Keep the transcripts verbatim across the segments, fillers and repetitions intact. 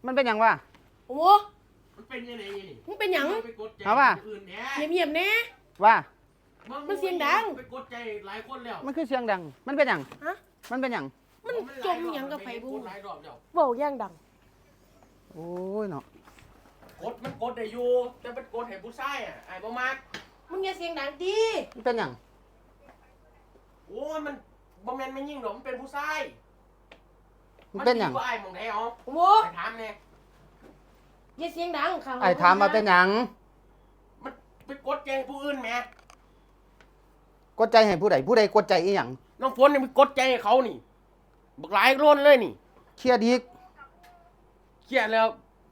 มันเป็นหยังวะโอ้มันเป็นยังไงนี่มึงเป็นหยังเอาว่ะเงียบๆแน่ว่ามันเสียงดังไปกดใจหลายคนแล้วมันคือเสียงดังมันเป็นหยังฮะมันเป็นหยังมันจมหยังกับไผบูหลายรอบแล้วเว้าย่างดังโอ้ยเนาะกดมันกดได้อยู่แต่มันกดให้ผู้ชายอ่ะไอ้บ่มักมึงอย่าเสียงดังดิมันเป็นหยังโอ้ยมันบ่แม่นไม่ยิ่งหรอกมันเป็นผู้ชายมันเป็นหยังไอ้หม่องไหนเอาโอ้ไปถามแน่อย่าเสียงดังข้างไอ้ถามมาเป็นหยังมันไปกดใจให้ผู้อื่นแหมกดใจให้ผู้ใดผู้ใดกดใจอีหยังน้องฝนนี่มันกดใจให้เขานี่บักหลายโลนเลยนี่เครียดอีกเครียดแล้ว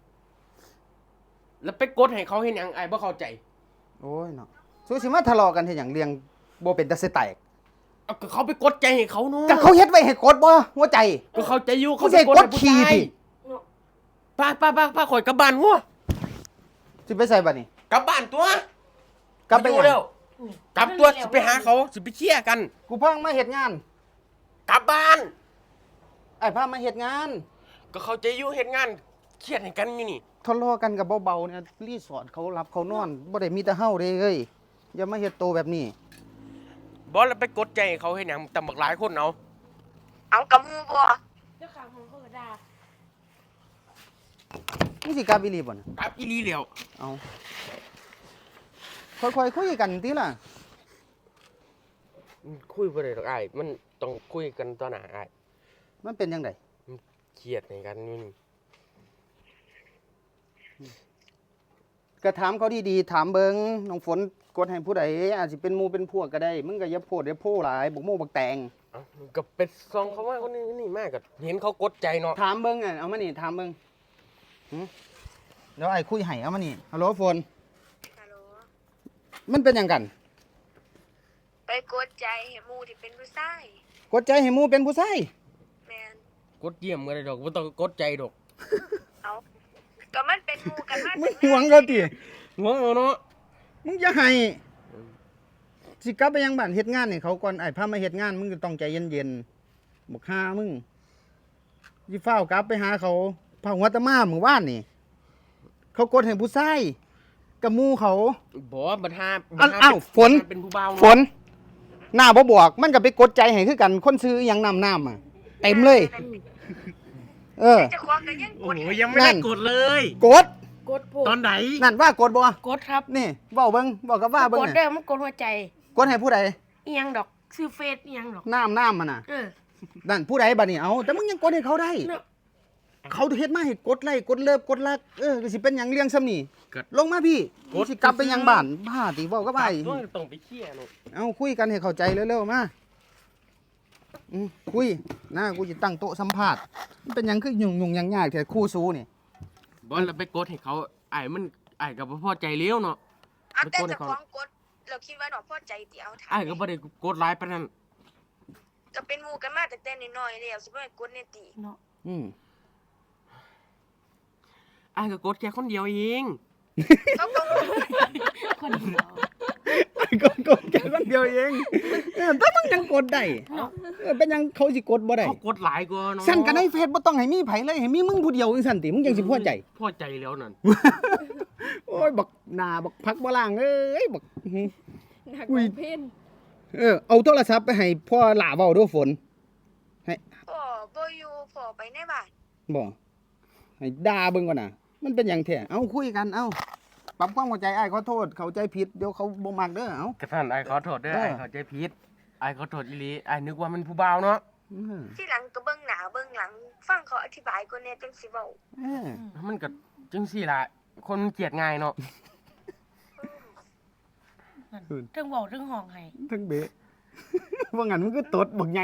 แล้วไปกดให้เขาเห็นหยังไอ้บ่เข้าใจโอ้ยเนาะสู้สิมาทะเลาะกันเฮ็ดหยังเลี้ยงบ่เป็นตาสิแตกเอาก็เขาไปกดใจให้เขาเนาะก็เขาเฮ็ดไว้ให้กดบ่หัวใจก็เข้าใจอยู่เขาไปกดขี้ดิป้าป้าป้าป้าข่อยกลับบ้านงัวสิไปใส่บัดนี้กลับบ้านตัวกลับไปแล้วกลับตัวสิไปหาเขาสิไปเคลียร์กันกูเพิ่งมาเฮ็ดงานกลับบ้านไอ้พามาเฮ็ดงานก็เข้าใจอยู่เฮ็ดงานเครียดให้กันอยู่นี่ทะเลาะกันกับเบาๆเนี่ยรีสอร์ทเขารับเขานอนบ่ได้มีแต่เฮาเด้เอ้ยอย่ามาเฮ็ดโตแบบนี้บ่แล้วไปกดใจให้เขาเฮ็ดหยังตำบักหลายคนเอาเอากับมูบ่เจ้าข้างห้องเขาก็ด่ามึงสิกลับอีหลีบ่น่ะกลับอีหลีแล้วเอาค่อยๆคุยกันติล่ะคุยบ่ได้ดอกอ้ายมันต้องคุยกันต่อหน้าอ้ายมันเป็นจังได๋เครียดให้กันอยู่นี่ก็ถามเขาดีๆถามเบิ่งน้องฝนกดให้ผู้ใดอาจสิเป็นหมู่เป็นพวกก็ได้มึงก็อย่าโพดอย่าโพหลายบกโม่บักแตงเอ้าก็เป็นซองเขาว่าคนนี้นี่มากก็เห็นเขากดใจเนาะถามเบิ่งอ่ะเอามานี่ถามเบิ่งหึเดี๋ยวไอ้คุยให้เอามานี่ฮัลโหลฝนฮัลโหลมันเป็นหยังกันไปกดใจให้หมู่ที่เป็นผู้ชายกดใจให้หมู่เป็นผู้ชายแม่นกดเยี่ยมก็ได้ดอกบ่ต้องกดใจดอกเอาก็มันเป็นหมู่กันมามึงหวงเขาติหวงเอาเนาะมึงอย่าให้สิกลับไปยังบ้านเฮ็ดงานให้เขาก่อนไอ้พามาเฮ็ดงานมึงก็ต้องใจเย็นๆบักห่ามึงสิฟ้าวกลับไปหาเขาพาหัวตะมามื้อวานนี่เขากดให้ผู้ชายกับหมู่เขาบ่บัดหาอ้าวฝนเป็นผู้บ่าวฝนหน้าบ่บอกมันก็ไปกดใจให้คือกันคนซื้ออีหยังน้ำน้ำอ่ะเต็มเลยเออจะควักก็ยังกดโอ้ยยังไม่ได้กดเลยกดกดตอนไหนนั่นว่ากดบ่กดครับนี่เว้าเบิ่งบอกกับว่าเบิ่งกดเด้อมันกดหัวใจกดให้ผู้ใดอีหยังดอกชื่อเฟซอีหยังดอกน้ำน้ำมันน่ะเออนั่นผู้ใดบัดนี้เอาแต่มึงยังกดให้เขาได้เขาเฮ็ดมาให้กดไลค์กดเลิฟกดรักเออสิเป็นหยังเลี้ยงซ้ำนี่ลงมาพี่สิกลับไปยังบ้านบ้าติเว้ากับอ้ายต้องไปเคลียร์เนาะเอาคุยกันให้เข้าใจเร็วๆมาอือคุยนะกูสิตั้งโต๊ะสัมภาษณ์มันเป็นหยังคือยุ่งๆยากๆแท้คู่ซูนี่บ่แล้วไปกดให้เขาอ้ายมันอ้ายก็บ่พอใจแล้วเนาะเอาแต่เจ้าของกดเราคิดว่าดอกพอใจติเอาถามอ้ายก็บ่ได้กดหลายปานนั้นก็เป็นหมู่กันมาตั้งแต่น้อยๆแล้วสิบ่ให้กดแน่ติเนาะอืมอ้ายก็กดแค่คนเดียวเองเขาก็คนเดียวกดกดแค่คนเดียวเองเออแต่มึงยังกดได้เออเป็นยังเขาสิกดบ่ได้เขากดหลายกว่าเนาะสั่นกันในเฟซบ่ต้องให้มีไผเลยให้มีมึงผู้เดียวจังซั่นติมึงจังสิพอใจพอใจแล้วนั่นโอ้ยบักหน้าบักพักบ่ล่างเอ้ยบักหนักกว่าเพนเออเอาโทรศัพท์ไปให้พ่อหล่าเว้าด้วยฝนให้พ่อบ่อยู่พ่อไปในบ้านบ่ให้ด่าเบิ่งก่อนน่ะมันเป็นหยังแท้เอ้าคุยกันเอ้าปรับความเข้าใจอ้ายขอโทษเข้าใจผิดเดี๋ยวเขาบ่มักเด้อเอ้ากระท่านอ้ายขอโทษเด้ออ้ายเข้าใจผิดอ้ายขอโทษอีหลีอ้ายนึกว่ามันผู้บ่าวเนาะที่หลังก็เบิ่งหน้าเบิ่งหลังฟังเขาอธิบายก่อนแน่จังสิเว้าเออมันก็จังซี่ล่ะคนเกลียดง่ายเนาะเทิงเว้าเทิงห้องให้เทิงเบะว่างั้นมันก็ตดบักใหญ่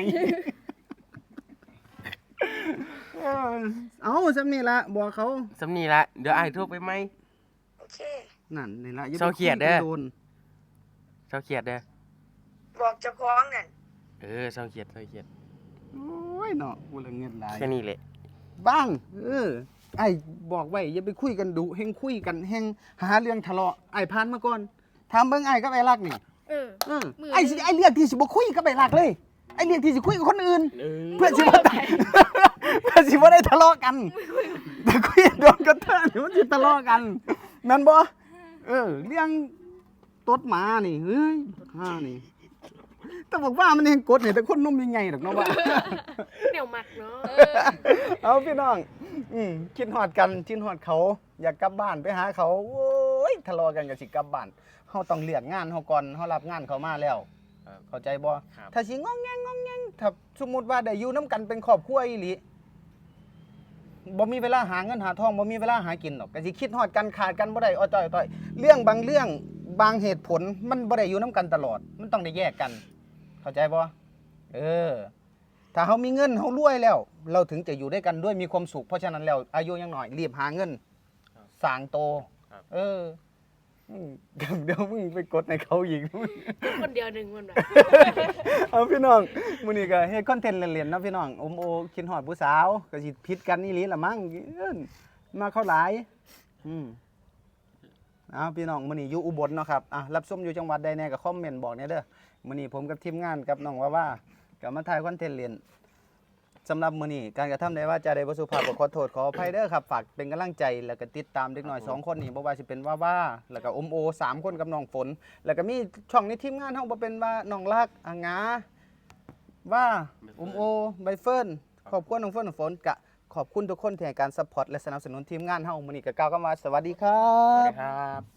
เอาซำนี้ล่ะบอกเขาซำนี้ล่ะเดี๋ยวอ้ายโทรไปใหม่โอเคนั่นนี่ล่ะอย่าไปเครียดเด้อเศร้าเครียดเด้อบอกเจ้าของนั่นเออเศร้าเครียดเศร้าเครียดโอ้ยเนาะกูละเงินหลายแค่นี้แหละบ้างเออไอ้บอกไว้อย่าไปคุยกันดุแฮงคุยกันแฮงหาเรื่องทะเลาะไอ้ผ่านมาก่อนถามเบิ่งไอ้กับไอ้รักนี่เออเออไอ้สิไอ้เรื่องที่สิบ่คุยกับไอ้รักเลยไอ้เรื่องที่สิคุยกับคนอื่นเพื่อสิบ่ตายก็สิบ่ได้ทะเลาะกันแต่คุยโดนกระเทอะนี่มันสิทะเลาะกันแม่นบ่เออเรื่องตดหมานี่เฮ้ยห่านี่แต่บอกว่ามันเองกดนี่แต่คนนมใหญ่ๆดอกเนาะว่าเหนียวหมักเนาะเอาพี่น้องอืมคิดฮอดกันคิดฮอดเขา อยากกลับบ้านไปหาเขาโอ้ยทะเลาะกันก็สิกลับบ้านเฮาต้องเลือกงานเฮาก่อนเฮารับงานเขามาแล้วครับเข้าใจบ่ครับถ้าสิงองแงงงองแงงถ้าสมมุติว่าได้อยู่นํกันเป็นครอบครัวอีหลีบ่มีเวลาหาเงินหาทองบ่มีเวลาหากินหรอกก็สิคิดฮอดกันขาดกันบ่ได้อ้อจ้อยต้อยเรื่องบางเรื่องบางเหตุผลมันบ่ได้อยู่นํกันตลอด มันต้องได้แยกกัน เข้าใจบ่เออ ถ้าเฮามีเงินเฮารวยแล้ว เราถึงจะอยู่ด้วยกันด้วยมีความสุขเพราะฉะนั้นแล้วอายุยังน้อยรีบหาเงินสร้างโตครับเอออืมเดี๋ยวมึงไปกดในเขาอีกกินคนเดียวหนึ่งมันแบบเอาพี่น้องมื้อนี้ก็เฮ็ดคอนเทนต์เล่นๆเนาะพี่น้องอมโอคิดฮอดผู้สาวก็สิผิดกันอีหลีละมั้งเอิ้นมาเข้าหลายอืมเอาพี่น้องมื้อนี้อยู่อุบลเนาะครับอ่ะรับชมอยู่จังหวัดใดแน่ก็คอมเมนต์บอกแหน่เด้อมื้อนี้ผมกับทีมงานกับน้องว่าว่าก็มาถ่ายคอนเทนต์เล่นสำหรับมื้อนี้การกระทำใดว่าจะได้บ่สุภาพก็ขอโทษขออภัยเด้อครับฝากเป็นกำลังใจแล้วก็ติดตามเด็กน้อยสองคนนี้บ่ว่าสิเป็นว่าว่าแล้วก็อมโอสามคนกับน้องฝน แล้วก็มีช่องในทีมงานเฮาบ่เป็นว่าน้องรักอางาว่าอมโอใบเฟิร์นขอบคุณน้องเฟิร์นน้องฝนกะขอบคุณทุกคนที่ให้การซัพพอร์ตและสนับสนุนทีมงานเฮามื้อนี้ก็กล่าวคำว่าสวัสดีครัสวัสบดีครับ